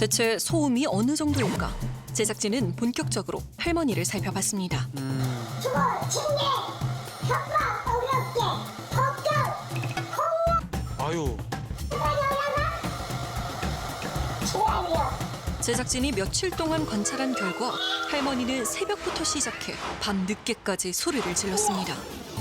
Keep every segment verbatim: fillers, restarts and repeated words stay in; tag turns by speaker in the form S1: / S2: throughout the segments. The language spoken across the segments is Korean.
S1: 대체 소음이 어느 정도일까? 제작진은 본격적으로 할머니를 살펴봤습니다.
S2: 주거, 징계, 협박, 어렵게, 법정, 폭력,
S3: 아유,
S2: 지랄이요.
S1: 제작진이 며칠 동안 관찰한 결과 할머니는 새벽부터 시작해 밤 늦게까지 소리를 질렀습니다.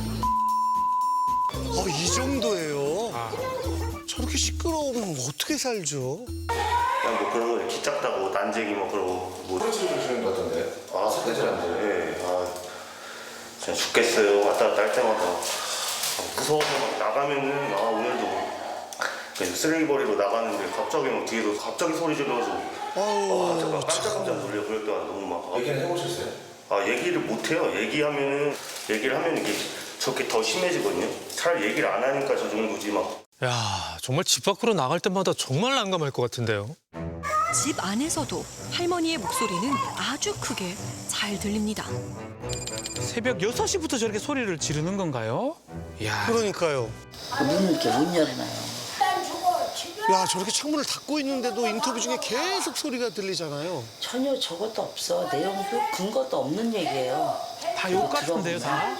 S4: 어, 이 정도예요?
S3: 아,
S4: 저렇게 시끄러우면 어떻게 살죠?
S5: 그냥 뭐 그런 거 키 작다고 난쟁이 뭐 그러고 뭐
S6: 소리 지르시는 것 같던데.
S5: 아 사대질한데 예. 아 진짜 죽겠어요. 왔다 갔다 할 때마다 아, 무서워서 막 나가면은 아 오늘도 그냥 쓰레기 버리러 나가는데 갑자기 막 뒤에서 갑자기 소리 질러서
S4: 아우,
S5: 아 잠깐 깜짝깜짝 놀려. 그럴 때가 너무 막 아,
S6: 얘기는 해보셨어요?
S5: 아 얘기를 못 해요. 얘기하면은 얘기를 하면 이게 저렇게 더 심해지거든요. 차라리 얘기를 안 하니까 저 정도지 막.
S3: 야, 정말 집 밖으로 나갈 때마다 정말 난감할 것 같은데요.
S1: 집 안에서도 할머니의 목소리는 아주 크게 잘 들립니다.
S3: 새벽 여섯 시부터 저렇게 소리를 지르는 건가요? 야,
S4: 그러니까요.
S7: 문을 이렇게 못 열어놔요.
S4: 야, 저렇게 창문을 닫고 있는데도 인터뷰 중에 계속 소리가 들리잖아요.
S7: 전혀 저것도 없어. 내용도 근거도 없는 얘기예요.
S3: 다 욕 같은데요, 다?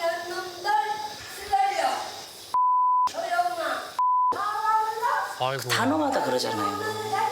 S3: 아이고.
S7: 단어마다 그러잖아요.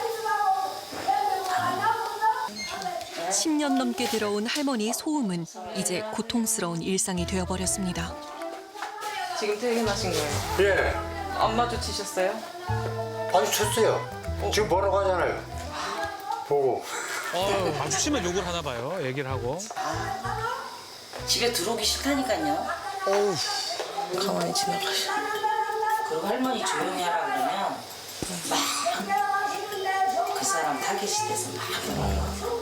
S1: 십 년 넘게 들어온 할머니의 소음은 이제 고통스러운 일상이 되어버렸습니다.
S8: 지금 퇴근하신 거예요?
S9: 예,
S8: 안 마주치셨어요?
S9: 마주쳤어요. 지금 보러 가잖아요. 보고.
S3: 어, 마주치면 욕을 하나 봐요, 얘기를 하고.
S7: 집에 들어오기 싫다니까요.
S4: 어우,
S8: 가만히 지나가셔.
S7: 그리고 할머니 조용히 하라 그러면 막 그 사람 타겟이 돼서 막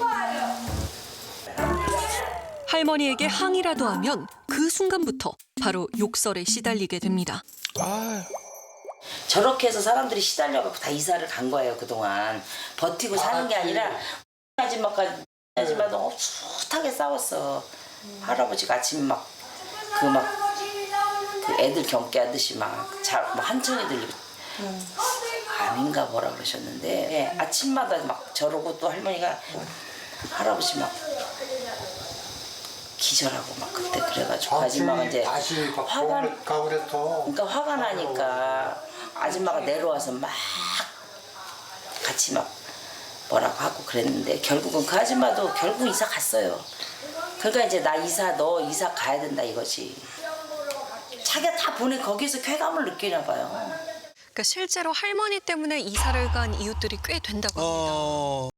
S1: 할머니에게 항의라도 하면 그 순간부터 바로 욕설에 시달리게 됩니다.
S3: 아,
S7: 저렇게 해서 사람들이 시달려갖고 다 이사를 간 거예요 그동안. 버티고 사는 게 아니라 아줌마까지 아줌마도 숱하게 싸웠어. 할아버지가 아침에 막 그 막 그 애들 경계 하듯이 막뭐 한청이 들리고 암인가 뭐라 그러셨는데 예, 아침마다 막 저러고 또 할머니가 할아버지 막 기절하고 막 그때 그래가지고 아줌마가 이제
S9: 다시
S7: 화가
S9: 가고 그랬어.
S7: 그러니까 화가 나니까 아줌마가 내려와서 막 같이 막 뭐라고 하고 그랬는데 결국은 그 아줌마도 결국 이사 갔어요. 그러니까 이제 나 이사 너 이사 가야 된다 이거지. 자기가 다 보내 거기서 쾌감을 느끼나 봐요.
S1: 그러니까 실제로 할머니 때문에 이사를 간 이웃들이 꽤 된다고 합니다.
S4: 어...